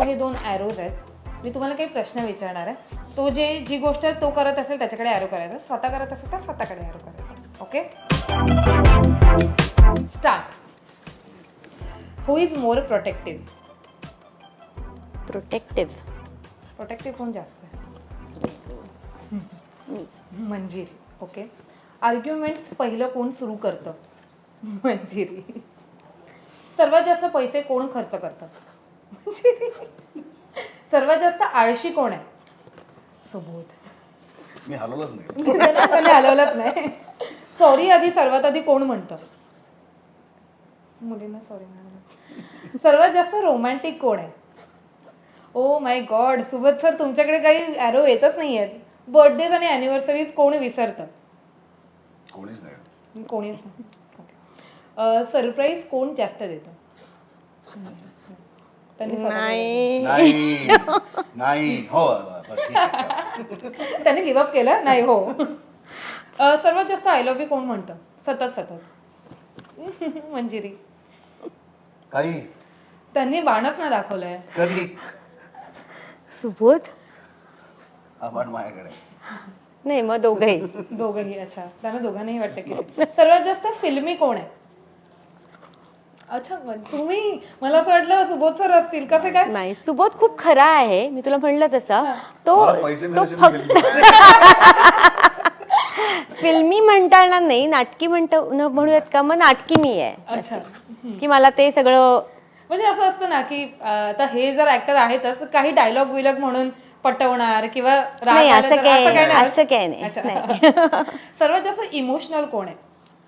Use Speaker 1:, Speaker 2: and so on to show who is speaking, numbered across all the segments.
Speaker 1: So हे 2 arrows आहेत. मी तुम्हाला काही प्रश्न विचारणार आहे. तो जी गोष्ट तो करत असेल त्याच्याकडे ॲरो करायचा, स्वतः करत असेल तर स्वतःकडे ॲरो करायचा. Okay, start. Who is more protective? Protective कोण जास्त आहे? मंजिरी. ओके. आर्ग्युमेंट्स पहिलं कोण सुरू करतं? मंजिरी. सर्वात जास्त पैसे कोण खर्च करतं? मंजिरी. सर्वात जास्त आळशी कोण आहे? सुबोध.
Speaker 2: मी हलवलंच नाही.
Speaker 1: त्याने हलवलंच नाही. सॉरी सर्वात आधी कोण म्हणतं? मुलींना सॉरी म्हणायला. सर्वात जास्त रोमॅन्टिक कोण आहे? Oh my god, Subodh sir तुमच्याकडे काही ॲरो येतच नाही आहेत. बर्थडेज आणि अॅनिव्हर्सरीज कोण विसरतं?
Speaker 2: कोणीच नाही.
Speaker 1: कोणीच नाही. सरप्राईज कोण जास्त देतं? त्यांनी
Speaker 2: नाही हो ठीक आहे.
Speaker 1: त्यांनी गिवअप केलं नाही. हो. सर्वात जास्त आय लव्ह यू कोण म्हणतं? सतत मंजिरी.
Speaker 2: काही
Speaker 1: त्यांनी बाणच ना दाखवलंय.
Speaker 2: कधी
Speaker 3: सुबोध
Speaker 2: हा बाण माझ्याकडे.
Speaker 3: नाही, मग दोघंही.
Speaker 1: दोघंही. अच्छा, त्यांना दोघांनाही वाटतं की. सर्वात जास्त फिल्मी कोण आहे? अच्छा, तुम्ही, मला असं वाटलं सुबोध सर असतील. कसे काय?
Speaker 3: नाही, सुबोध खूप खरा आहे, मी तुला म्हणलं तसं. तो
Speaker 2: मला पैसे मिळाले
Speaker 3: फक्त फिल्मी म्हणता येणार नाही, नाटकी म्हणूयात का, मग नाटकी मी आहे.
Speaker 1: अच्छा,
Speaker 3: की मला ते सगळं
Speaker 1: म्हणजे असं असतं ना की आता हे जर ऍक्टर आहेतच, काही डायलॉग विलॉग म्हणून पटवणार किंवा राग
Speaker 3: नाही,
Speaker 1: आला
Speaker 3: असं
Speaker 1: तर
Speaker 3: काय
Speaker 1: नाही.
Speaker 3: असं काय नाही.
Speaker 1: अच्छा. सर्वात जास्त इमोशनल कोण आहे?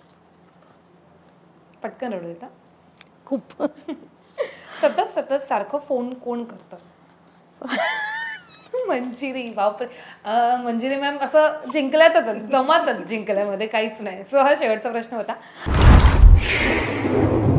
Speaker 1: पटकन रडू येतं.
Speaker 3: खूप.
Speaker 1: सतत सारखं फोन कोण करतं? मंजिरी. बापरे. मंजिरी मॅम असं जिंकल्यातच, जमातच जिंकल्यामध्ये काहीच नाही. सो हा शेवटचा प्रश्न होता.